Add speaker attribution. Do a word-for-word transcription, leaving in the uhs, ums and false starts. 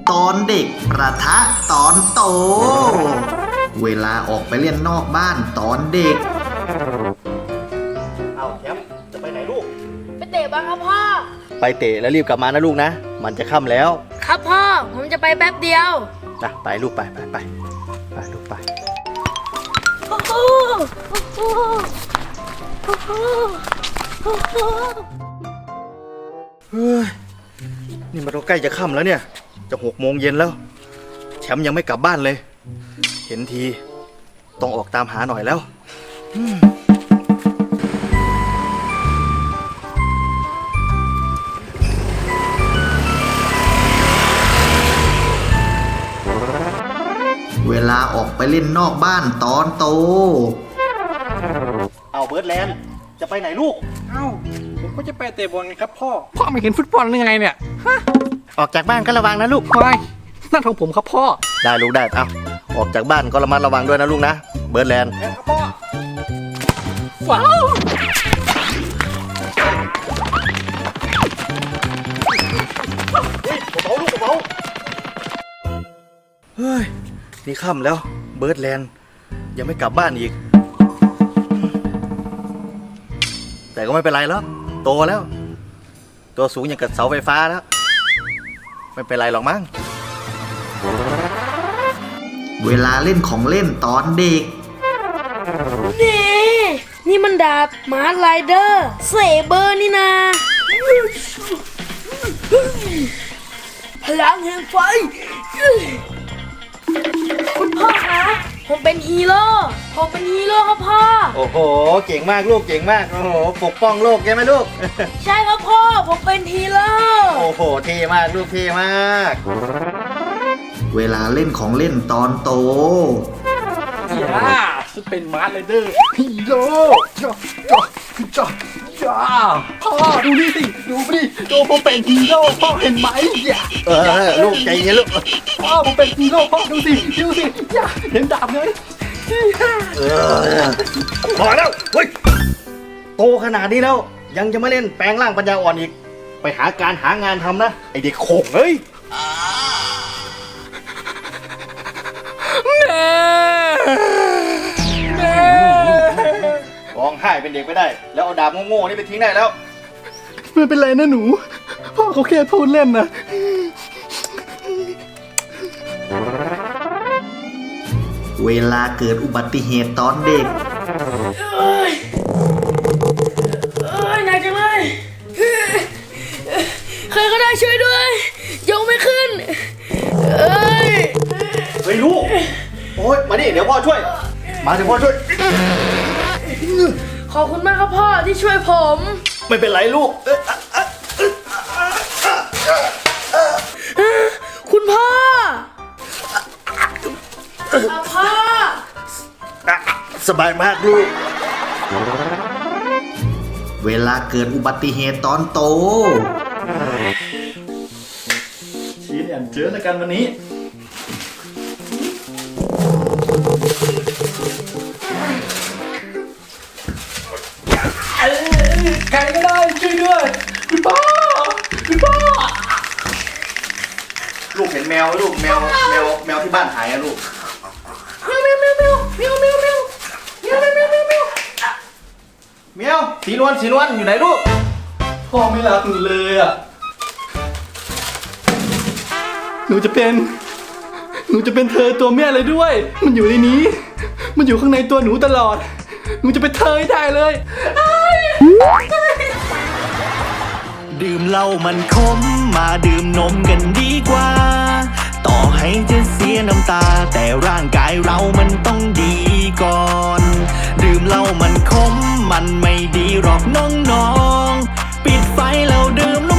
Speaker 1: ตอนเด็กประทะตอนโตเวลาออกไปเล่นนอกบ้านตอนเด็กเอาแชมป์จะไปไหนลูก
Speaker 2: ไปเตะบ้างครับพ่อ
Speaker 1: ไปเตะแล้วรีบกลับมานะลูกนะมันจะค่ำแล้ว
Speaker 2: ครับพ่อผมจะไปแป๊บเดียว
Speaker 1: นะไปลูกไปไปไปไปลูกไป
Speaker 2: โอ้โหโอ้โหโอ้โหโอ้โห
Speaker 1: เฮ้ยนี่มันก็ใกล้จะค่ำแล้วเนี่ยจะหกโมงเย็นแล้วแชมป์ยังไม่กลับบ้านเลยเห็นทีต้องออกตามหาหน่อยแล้วเวลาออกไปเล่นนอกบ้านตอนโตเอาเบิร์ดแลนด์จะไปไหนลูก
Speaker 3: เอ้าผมก็จะไปเตะบอลครับพ่อพ่อไม่เห็นฟุตบอลหรือไงเนี่ยฮะ
Speaker 1: ออกจากบ้านก็ระวังนะลูก
Speaker 3: ไม่นั่นของผมครับพ่อ
Speaker 1: ได้ลูกได้เอาออกจากบ้านก็ระมัดระวังด้วยนะลูกนะเบิร์ดแลนด์
Speaker 3: ครับพ่อว้าว
Speaker 1: เบาลูกเบาเฮ้ยนี่ค่ำแล้วเบิร์ดแลนด์ยังไม่กลับบ้านอีกแต่ก็ไม่เป็นไรแล้วโตแล้วตัวสูงอย่างกับเสาไฟฟ้าแล้วไม่เป็นไรหรอกมั้งเวลาเล่นของเล่นตอนเด็ก
Speaker 2: นี่นี่มันดาบมาร์ไรเดอร์เซเบอร์นี่นาพลังแห่งไฟคุณพ่อคะผมเป็นฮีโร่ผมเป็นฮีโร่ครับพ่อ
Speaker 1: โอ้โหเก่งมากลูกเก่งมากโอ้โหปกป้องโลกใช่ไหมลูก
Speaker 2: ใช่ครับพ่อผมเป็นฮีโร่
Speaker 1: โอ้โหเท่มากลูกเท่มากเวลาเล่นของเล่นตอนโต
Speaker 3: ย่าฉันเป็นมาร์ไรเดอร์ฮีโร่จ้าจ้าจ้าจ้าพ่อดูนี่สิดูดิดูผมเป็นฮีโร่พ่อเห็นไหมอย่า
Speaker 1: เออลูกใจเย็นลูก
Speaker 3: พ่อผมเป็นฮีโร่พ่อดูสิดูสิอย่าเห็นดาบไหม
Speaker 1: เออพอแล้วเฮ้ยโตขนาดนี้แล้วยังจะไม่เล่นแปลงร่างปัญญาอ่อนอีกไปหาการหางานทำนะไอเด็กโขงเฮ้ย
Speaker 3: แม่แม่
Speaker 1: ร้องไห้เป็นเด็กไม่ได้แล้วเอาดาบโง่ๆนี่ไปทิ้งได้แล้ว
Speaker 3: ไม่เป็นไรนะหนูพ่อเขาแค่พูดเล่นนะ
Speaker 1: เวลาเกิดอุบัติเหตุตอนเด็ก
Speaker 2: เอ้ยเอ้ยหนักจังเลยใครก็ได้ช่วยด้วยยกไม่ขึ้นเอ้ย
Speaker 1: เฮ้ยลูกโอ๊ยมาดิเดี๋ยวพ่อช่วยมาเดี๋ยวพ่อช่วย
Speaker 2: ขอบคุณมากครับพ่อที่ช่วยผม
Speaker 1: ไม่เป็นไรลูก
Speaker 2: คุณพ่อพ่อ
Speaker 1: สบายมากลูกเวลาเกิดอุบัติเหตุตอนโต
Speaker 3: ชี้เนี่ยเจอกันวันนี้ใครก็ได้ช่วยด้วยคุณพ่อคุณพ่อ
Speaker 1: ลูกเห็นแมวลูกแมวแมวแมวที่บ้านหายอะลูก
Speaker 2: แมวแมวแมวแมวแมวแมวแมวแมวแมวแมวแมวแมว
Speaker 1: แมวสีนวลสีนวลอยู่ไหนลูก
Speaker 3: พ่อไม่รักหนูเลยอ่ะหนูจะเป็นหนูจะเป็นเธอตัวแม่เลยด้วยมันอยู่ในนี้มันอยู่ข้างในตัวหนูตลอดหนูจะเป็นเธอให้ได้เลย
Speaker 4: ดื่มเหล้ามันขมมาดื่มนมกันดีกว่าต่อให้จะเสียน้ำตาแต่ร่างกายเรามันต้องดีก่อนดื่มเหล้ามันขมมันไม่ดีหรอกน้องๆปิดไฟแล้วดื่ม